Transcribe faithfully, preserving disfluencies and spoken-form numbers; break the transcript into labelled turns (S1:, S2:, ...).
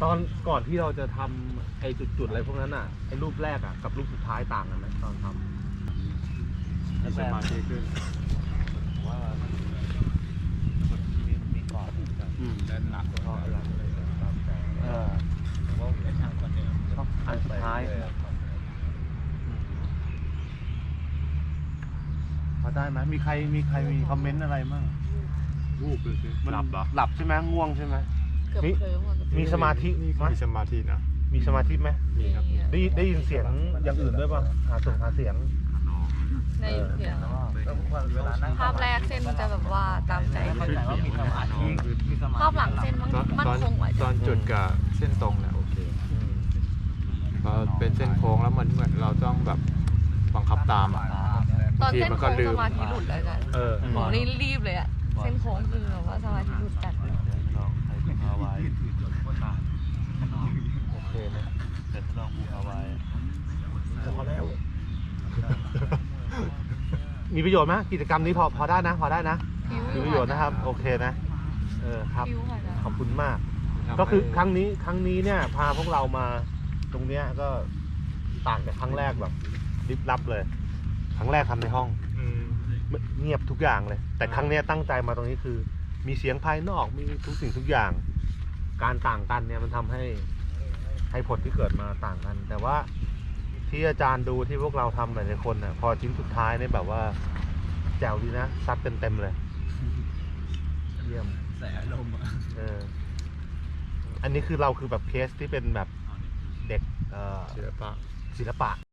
S1: ตอนก่อนที่เราจะทำไอ้จุดๆอะไรพวกนั้นอ่ะไอ้รูปแรกอ่ะกับรูปสุดท้ายต่างกันไหมตอนทำ
S2: มีสมาธิขึ้นว่ามีมีก่อนเดินหนักเพราะอะไรเออว่าไอ้ทางคนเดียว
S1: อันสุดท้ายพอได้ไหมมีใครมีใครมีคอมเมนต์อะไรมั่ง
S2: วูบเลยสิหลับเหรอ
S1: หลับใช่ไหมง่วงใช่ไหม
S3: เกือบเคลิ้มอ่ะ
S1: มีสมาธิไหม
S2: มีสมาธินะ
S1: มีสมาธิไหม
S2: มีครับ
S1: ได้ได้ยินเสียงอย่างอื่นด้วยป่ะหาส่งหาเสียง
S3: ในเสียงภาพแรกเส้นจะแบบว่าตามใจภาพหลังเส้นมันมันคงไว้
S2: ตอนจุดกับเส้นตรงเนี่ยโอเคพอเป็นเส้นโค้งแล้วมันเหมือนเราต้องแบบบังคับตามอ่ะ
S3: ตอนเส้นโค้งสมาธิหลุดเลยกัน
S1: เออ
S3: ผมนี่รีบเลยอะเส้นโค้งคือแบบว่าสมาธิหลุดจัด
S1: โอเคนะ
S2: แต่ถ้าลองบูเอาไว้
S1: พอแล้ว มีประโยชน์ไหมกิจกรรมนี้พอพอได้นะพอได้นะ
S3: ฟิว
S1: มีประโยชน์นะครับโอเคนะเออครับ
S3: ฟิวค่ะ
S1: ขอบคุณมาก ก็คือครั้งนี้ครั้งนี้เนี่ยพาพวกเรามาตรงเนี้ยก็ต่างจากครั้งแรกแบบลิบลับเลย ครั้งแรกทำในห้องเงียบทุกอย่างเลย แต่ครั้งเนี้ยตั้งใจมาตรงนี้คือ มีเสียงภายนอกมีทุกสิ่งทุกอย่าง การต่างกันเนี่ยมันทำให้ให้ผลที่เกิดมาต่างกัน แต่ว่าที่อาจารย์ดูที่พวกเราทำหลายๆคนน่ะพอชิ้นสุดท้ายเนี่ยแบบว่าแจ๋วดีนะซัดเต็มเต็มเลยเยี่ยม
S2: แสอารมณ์อ่ะ
S1: เอออันนี้คือเราคือแบบเคสที่เป็นแบบเด็กเอ่อ
S2: ศิลปะ
S1: ศิลปะ